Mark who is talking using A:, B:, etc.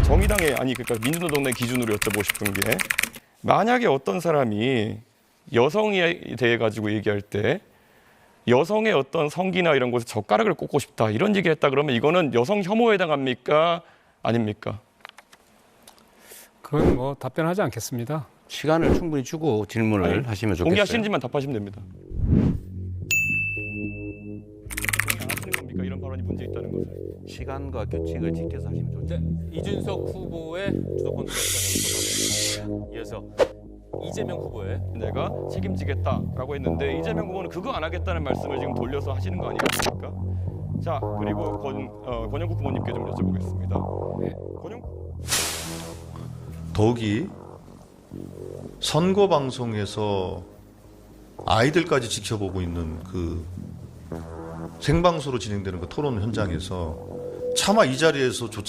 A: 정의당의 그러니까 민주노동당 기준으로 여쭤보고 싶은 게 만약에 어떤 사람이 여성에 대해 가지고 얘기할 때 여성의 어떤 성기나 이런 곳에 젓가락을 꽂고 싶다 이런 얘기했다 그러면 이거는 여성 혐오에 해당합니까? 아닙니까?
B: 그건 뭐 답변하지 않겠습니다.
C: 시간을 충분히 주고 질문을 하시면 좋겠어요.
A: 동의하시는지만 답하시면 됩니다. 동의 안 하시는 겁니까? 이런 발언이 문제 있다는 것을.
C: 시간과 규칙을 지켜서 하시면 좋죠.
D: 이준석 후보의 주도권 투쟁에서 이어서 이재명 후보의
A: 내가 책임지겠다라고 했는데 이재명 후보는 그거 안 하겠다는 말씀을 지금 돌려서 하시는 거 아니겠습니까? 자, 그리고 권영국 후보님께 좀 여쭤보겠습니다.
B: 네.
E: 더욱이 선거 방송에서 아이들까지 지켜보고 있는 그 생방송으로 진행되는 그 토론 현장에서 차마 이 자리에서